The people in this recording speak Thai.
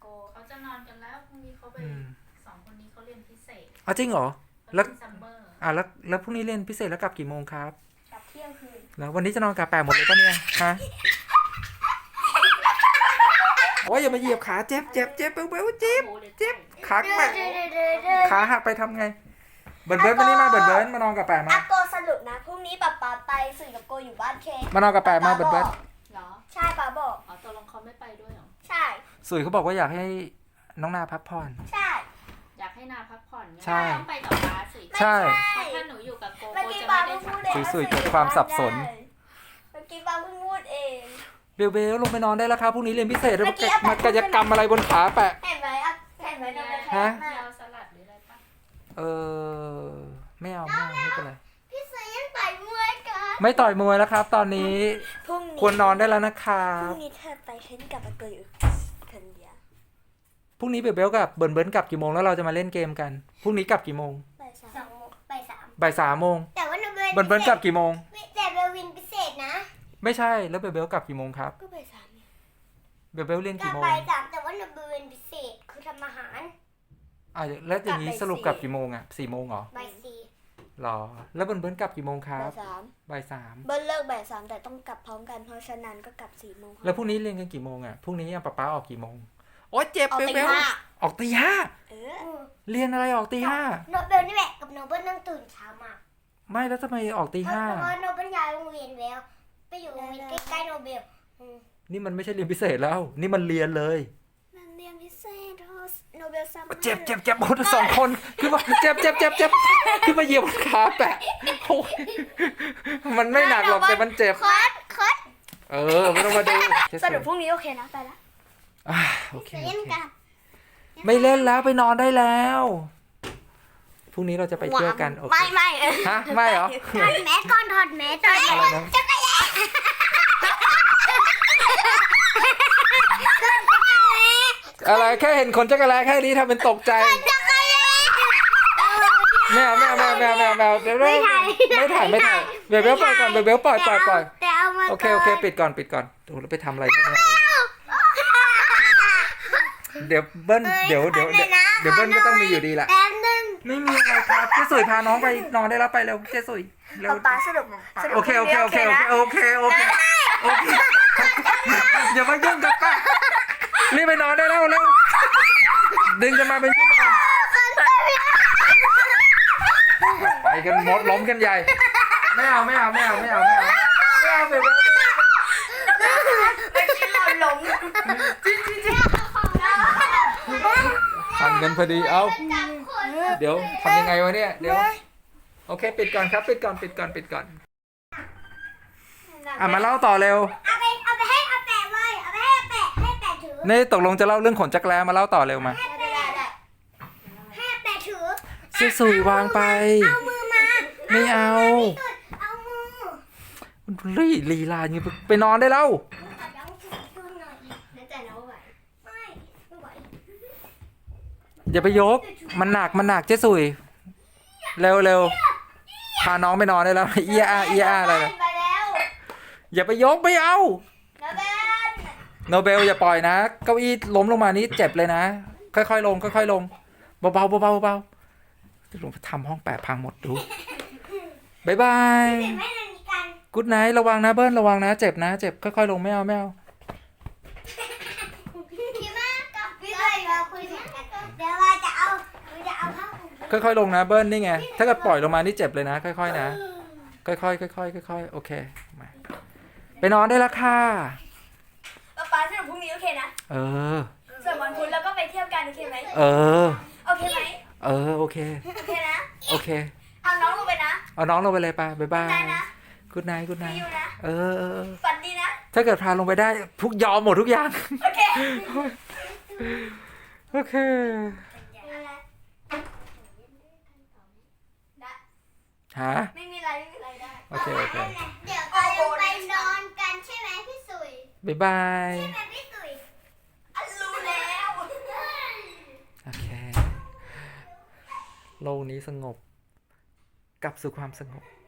เขาจะนอนกันแล้วพรุ่งนี้เขาไป2 คนนี้เขาเรียนพิเศษอ๋อจริงเหรอแล้วซัมเมอร์แล้วพรุ่งนี้เรียนพิเศษแล้วกลับกี่โมงครับกลับเที่ยงคืนแล้ววันนี้จะนอนกะแปะหมดเลยปะเนี่ยฮะโอ้ยอย่ามาเหยียบขาเจ็บเบลเจ็บขาแปะขาหักไปทำไงเบิร์ดวันนี้มาเบิร์ดมานอนกะแปะมาโกสรุปนะพรุ่งนี้ป๊าไปสื่อกับโกอยู่บ้านเคมานอนกะแปะมาเบิร์ดเหรอใช่ป๊าบอกอ๋อตกลงเขาไม่ไปด้วยเหรอใช่สุยเขาบอกว่าอยากให้น้องนาพักผ่อนใช่อยากให้นาพักผ่อนใช่ต้องไปกับป้าสิใช่ถ้าหนูอยู่กับโกจะไม่ได้พักสุยเกิดความสับสนเมื่อกี้ป๊าเพิ่งพูดเองเบลลงไปนอนได้แล้วครับพรุ่งนี้เรียนพิเศษแล้วมากายกรรมอะไรบนขาแปะเห็นไหมฮะเอาสลัดหรืออะไรปะไม่เอาไม่เป็นไรพี่เสือยังต่อยมวยกันไม่ต่อยมวยแล้วครับ ตอนนี้ควรนอนได้แล้วนะครับพรุ่งนี้เธอไปฉันกับโกอยู่คนเดียวพรุ่งนี้เบลกับเบิร์นกลับกี่โมงแล้วเราจะมาเล่นเกมกันพรุ่งนี้กลับกี่โมงบ่าย 3 โมงแต่ว่าเบิร์นกลับกี่โมงแต่เบลวินพิเศษนะไม่ใช่แล้วเบลกลับกี่โมงครับก็บ่าย 3 เบลเรียนกี่โมงบ่าย 3แต่ว่าเบลวินพิเศษคือทำอาหารแล้วอย่างนี้สรุปกลับกี่โมงอ่ะ4 โมงเหรอบ่าย 4 หรอแล้วเบิร์นกลับกี่โมงครับบ่าย 3 เบิร์นเลิกบ่าย 3แต่ต้องกลับพร้อมกันเพราะฉะนั้นก็กลับ4 โมงแล้วพรุ่งนี้เรียนกันกี่โมงอ่ะพรุ่งนี้ป๊าออกกี่โมงโอ๊ยเจ็บเบลออกตี 5เรียนอะไรออกตี 5 โนเบลนี่แหละกับโนเบิลนั่งตื่นเช้ามากไม่แล้วทำไมออกตี 5 เพราะโนเบิลย้ายโรงเรียนแล้วไปอยู่โรงเรียนใกล้ๆโนเบลนี่มันไม่ใช่เรียนพิเศษแล้วนี่มันเรียนเลยมันเรียนพิเศษโนเบลซัมเมอร์เจ็บหมด2 คนคือว่าเจ็บคือมาเหยียบขาแปะโอ้ยมันไม่หนักหรอกแต่มันเจ็บคัดไม่ต้องมาดูสรุปพรุ่งนี้โอเคนะไปละโอเคไม่เล่นแล้วไปนอนได้แล้วพรุ่งนี้เราจะไปเที่ยวกันโอเคไม่ฮะไม่เหรอถอดแมสก่อนถอดแมสก่อนจักรยานอะไรแค่เห็นคนจักรแลแค่นี้ทำเป็นตกใจแมวเดี๋ยวไม่ถ่ายเบลปล่อยก่อนเบลปล่อยโอเคปิดก่อนดูแล้วไปทำอะไรกันเดี๋ยวเบิ้ลเดี๋ยวเบิ้ลก็ต้องมีอยู่ดีแหละไม่มีอะไรครับเจ๊สุยพาน้องไปนอนได้แล้วไปเร็วเจ๊สุยเร็วป๊าสรุปโอเคอย่ามายุ่งกับป้ารีบไปนอนได้แล้วเร็วดึงจะมาเป็นชั่วโมงไปกันหมดล้มกันใหญ่ไม่เอาไปล้มทันกันพอดีเอาเดี๋ยวทำยังไงวะเนี่ยเดี๋ยวโอเคปิดก่อนครับปิดก่อนมาเล่าต่อเร็วเอาไปให้อาแปะเลยเอาไปให้อาแปะถือนี่ตกลงจะเล่าเรื่องขนจักรแลมาเล่าต่อเร็วมาให้อาแปะถือเจ๊สุยวางไปเอามือมาไม่เอามือลีลาอย่างนี้ไปนอนได้แล้วอย่าไปยกมันหนักเจ๊สุยเร็วพาน้องไปนอนได้แล้วเอียอะไรอย่าไปยกไม่เอาโนเบลอย่าปล่อยนะเก้าอี้ล้มลงมานี้เจ็บเลยนะค่อยๆลงเบาจะลงไปทำห้องแปะพังหมดดูบ๊ายบายกู๊ดไนท์ระวังนะเบิ้ลระวังนะเจ็บค่อยๆลงไม่เอาค่อยๆลงนะเบิ้ลนี่ไงถ้าเกิดปล่อยลงมานี่เจ็บเลยนะค่อยๆนะค่อยๆโอเคมาไปนอนได้แล้วค่ะป๊าสรุปพรุ่งนี้โอเคนะส่วนวันพุธแล้วก็ไปเที่ยวกันโอเคไหมโอเคไหมโอเคนะโอเคเอาน้องลงไปนะเอาน้องลงไปเลยไปบ๊ายบายกู๊ดไนท์ฝันดีนะถ้าเกิดพาลงไปได้ยอมหมดทุกอย่างโอเคฮะไม่มีอะไรได้โอเคเดี๋ยวเราไปนอนกันใช่ไหมพี่สุยบ๊ายบายใช่ไหมพี่สุยรู้แล้วโอเคโลกนี้สงบกลับสู่ความสงบ